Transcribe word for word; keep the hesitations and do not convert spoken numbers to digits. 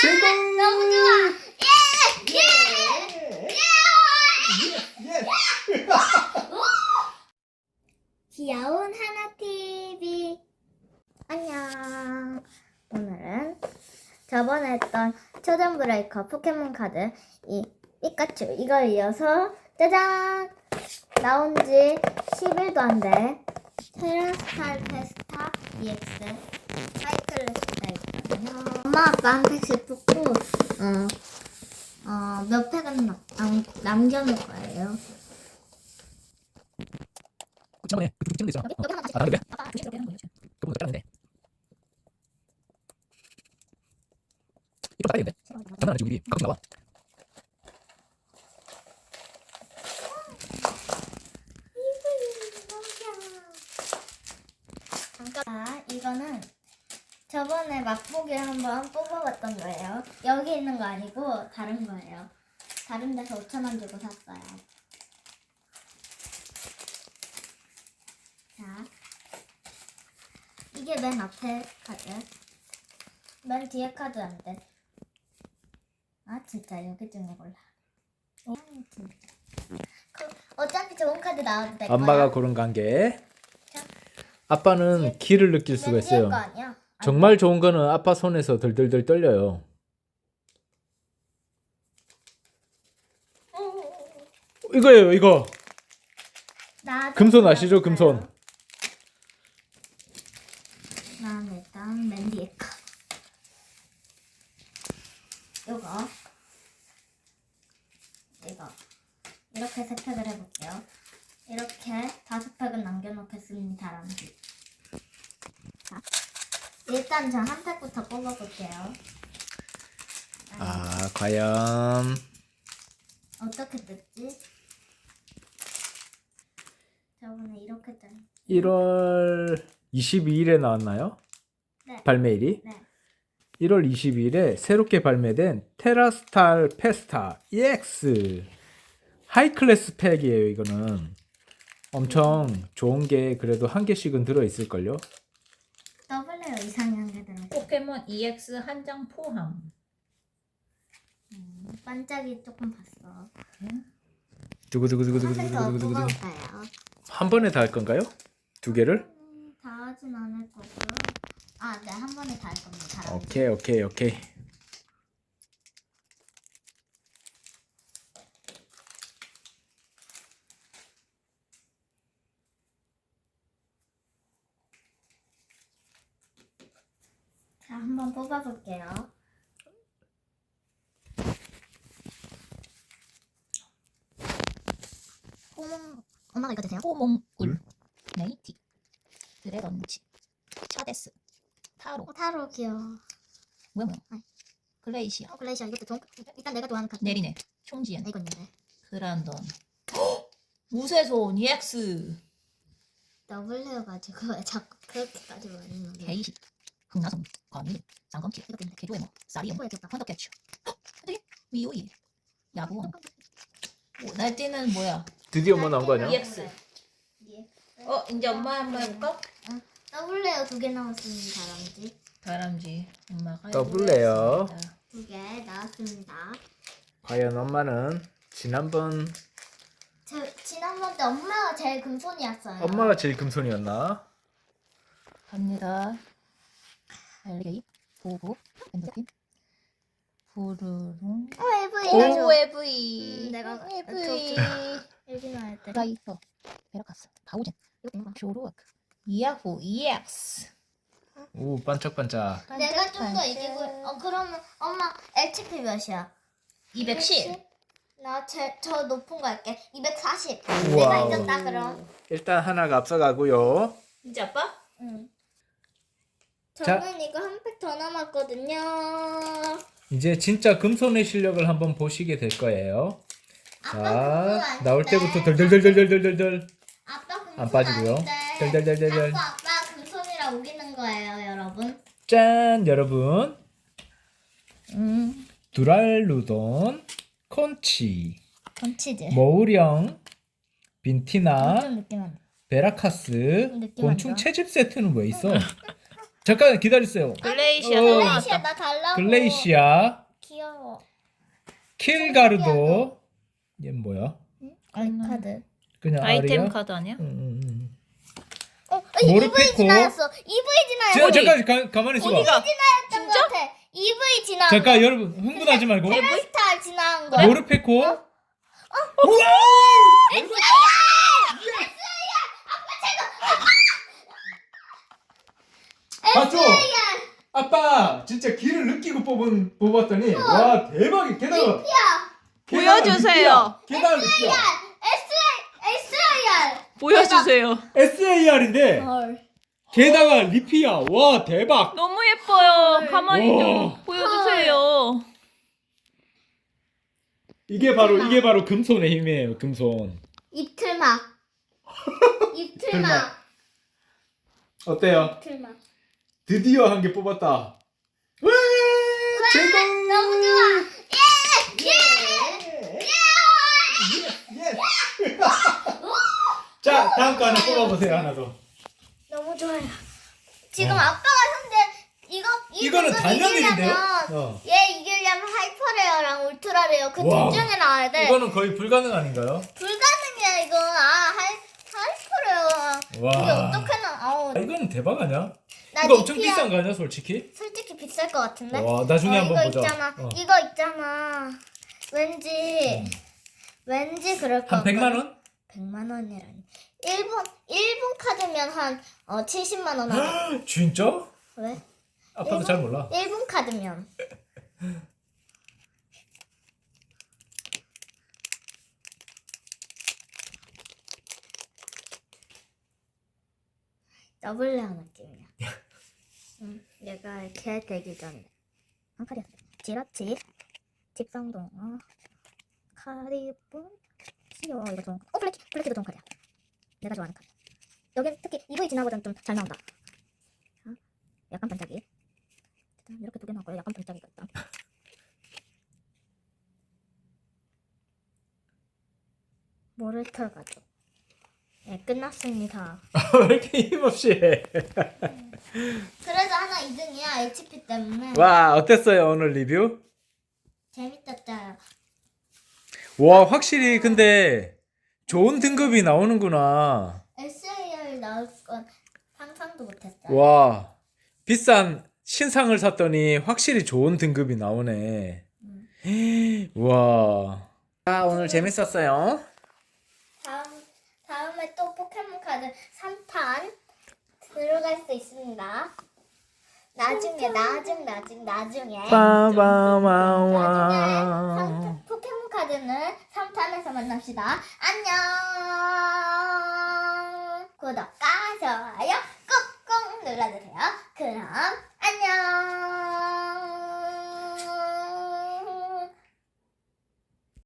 최고! 너무 좋아. 예! 예! 예! 예! 귀여운 하나티비 안녕. 오늘은 저번에 했던 초전 브레이커 포켓몬 카드 이 피카츄 이걸 이어서 짜잔! 나온 지 십 일도 안 돼 테라스탈 페스타 이엑스 하이클래스가 있거든요. 엄마 아빠한테 짚고 어, 어, 몇 팩은 남, 남, 남겨놓을 거예요. 지난번에 그 두개 찍는 데 있잖아. 여기 어. 하나 아, 나는데? 아빠 조심스럽게 하는 거예요. 그거보다 작았는데. 이거 작아야겠는데? 장난 아니지 우리 가끔 나와. 자, 이거는 저번에 맛보기 한번 뽑아봤던 거예요. 여기 있는 거 아니고 다른 거예요. 다른 데서 오천 원 주고 샀어요. 자, 이게 맨 앞에 카드. 맨 뒤에 카드 안 돼. 아, 진짜 여기 중에 골라. 어, 진짜. 그, 어차피 좋은 카드 나와도 될 거야. 엄마가 고른 관계. 자. 아빠는 기를 느낄 수가 맨 뒤에 있어요. 거 아니야? 아니, 정말 좋은 거는 아빠 손에서 덜덜덜 떨려요. 이거예요, 이거. 나도 금손 아시죠, 골랐어요. 금손? 난 일단 맨 뒤에 거. 요거. 이거. 이렇게 세 팩을 해볼게요. 이렇게 다섯 팩은 남겨놓겠습니다. 람쥐. 자, 일단 저 한 팩부터 뽑아볼게요. 아, 과연 어떻게 뜯지? 저번에 이렇게 짠. 일월 이십이일에 나왔나요? 네. 발매일이? 네. 일월 이십이일에 새롭게 발매된 테라스탈 페스타 이엑스 하이클래스 팩이에요. 이거는 엄청 좋은 게 그래도 한 개씩은 들어있을걸요. 더블레어 이상한 게 들어있어. 포켓몬 이엑스 한 장 포함. 음, 반짝이 조금 봤어. 한 팩 더 두구두구두구두구두구두구두구. 뽑아볼까요? 한 번에 다 할 건가요? 두 개를? 음, 다 하진 않을 거고요. 아, 네, 한 번에 다 할 겁니다. 다 오케이 오케이 오케이. 자, 한번 뽑아볼게요. 호몽, 엄마가 이거 드세요? 호몽울, 네이티, 드래곤치, 차데스, 타로, 어, 타로 귀여워. 뭐야 뭐야, 아이. 글레이시아, 어, 글레이시아 이것도 좋은, 일단 내가 좋아하는 카드. 네리네, 총지연, 아, 이거 있는데. 그란돈, 무쇠손 이엑스, 더블레어 가지고 왜 자꾸 그렇게까지 말하는 거야? 게이시, 흥나성, 거미, 쌍검키, 이것도 있네. 개조에모, 사리엠, 뭐야, 귀엽다. 헌터캐치, 어떻게? 미오이, 야구원, 날뛰는 뭐야? 드디어 뭐 나온 거 아니야? 이엑스. 예. 어 이제 엄마 한번 해볼까? 더블레어 두 개 나왔습니다, 람쥐. 다람쥐 엄마가 더블레어. 해보겠습니다. 두 개 나왔습니다. 과연 엄마는 지난번 저, 지난번 때 엄마가 제일 금손이었어요. 엄마가 제일 금손이었나? 갑니다. 알리게이, 보고, 엔더핀, 부르릉, 어, 에브이가 좋아. 오에브이, 음, 내가 에브이, 여기만 할 때. 라이터, 베라카스, 바우젠, 이거 있는 거. 쇼루워크, 이야후, 이엑스. 오 반짝반짝. 내가 좀 더 이기고. 어, 그러면 엄마 에이치피 몇이야? 이백십. 나제저 높은 거 할게. 이백사십. 우와. 내가 이겼다 그럼. 일단 하나가 앞서가고요. 진짜 아빠? 응. 자. 저는 이거 한 팩 더 남았거든요. 이제 진짜 금손의 실력을 한번 보시게 될 거예요. 아빠 자, 금손 나올 아닌데. 때부터 덜덜덜덜덜덜덜 아빠 금손 안 빠지고요. 아닌데. 덜덜덜덜덜. 자꾸 아빠 금손이라 우기는 거예요, 여러분. 짠, 여러분. 음, 두랄루돈, 콘치, 건치즈. 머우령, 빈티나, 좀 느낌 안 나. 베라카스, 느낌 안 곤충 좋아. 채집 세트는 왜 있어? 잠깐 기다리세요. 글레이시아 어. 또 글레이시아 나왔다. 나 달라고. 글레이시아, 귀여워. 킬가르도. 얘 뭐야? 아이 카드. 그냥 아이템 알이야? 카드 아니야? 응, 응, 응. 어, 모르피코. 이브이 지나였어. 이브이 지나였어. 자, 잠깐 가, 가만히 있어봐. 어디가? 지나였던 것 같아. 이브이 지나. 잠깐 여러분 흥분하지 말고. 테라스타 지나간 거. 모르페코. 어? 우와! 맞죠? 아빠 진짜 기를 느끼고 뽑은 뽑았더니 와 대박이 게다가 게다가 보여주세요. 리피야. 게다가 리피야. 에스아이알. 보여주세요. 에스에이알인데 헐. 게다가 리피야. 와 대박. 너무 예뻐요. 가만히 와. 좀 보여주세요. 이게 바로 이게 바로 금손의 힘이에요. 금손. 입틀막. 입틀막. 어때요? 입틀막. 드디어 한 개 뽑았다. 와 제공. 너무 좋아. 예! 예! 예. 자 다음 거 하나 뽑아보세요. 하나 더. 너무 좋아요. 지금 어. 아빠가 현재 이거 이 이거는 부분 단연일인데요? 이기려면 어. 얘 이기려면 하이퍼레어랑 울트라레어 그 와. 둘 중에 나와야 돼. 이거는 거의 불가능 아닌가요? 불가능이야 이거. 아 하이 하이퍼레어. 와. 이게 어떻게 나? 아우 아, 이거는 대박 아니야? 나 이거 엄청 리피야. 비싼 거 아니야 솔직히? 솔직히 비쌀 것 같은데. 와 나중에 어, 한번 이거 보자. 있잖아. 어. 이거 있잖아. 왠지 왠지 그럴 것 한 백만 원? 백만 원이라니. 일본 일본 카드면 한 어, 칠십만 원 하고. 진짜? 왜? 아빠도 일본? 잘 몰라. 일본 카드면. 더블레어 느낌이야. 응, 얘가 이렇게 되기 전에. 한 칼이야. 지라치, 집성동, 어, 카리분, 시오 이거 좋은 거. 어 블랙 블랙도 좋은 칼이야. 내가 좋아하는 칼. 여긴 특히 이브이 진화 버전 좀 잘 나온다. 어? 약간 반짝이. 이렇게 두 개 나왔고요. 약간 반짝이가 있다. 모르털 가족. 네, 끝났습니다. 왜 이렇게 힘없이 해? 그래도 하나 이 등이야. 에이치피 때문에. 와 어땠어요 오늘 리뷰? 재밌었어요. 와 확실히 근데 좋은 등급이 나오는구나. 에스에이알 나올 건 상상도 못했어요. 와 비싼 신상을 샀더니 확실히 좋은 등급이 나오네. 와. 아 오늘 재밌었어요. 다음 다음에 또 포켓몬 카드 삼 탄 들어갈 수 있습니다. 나중에 나중 나중 나중에 나중에 빠바마와. 삼- 포켓몬 카드는 삼 탄에서 만납시다. 안녕. 구독과 좋아요 꾹꾹 눌러주세요. 그럼 안녕.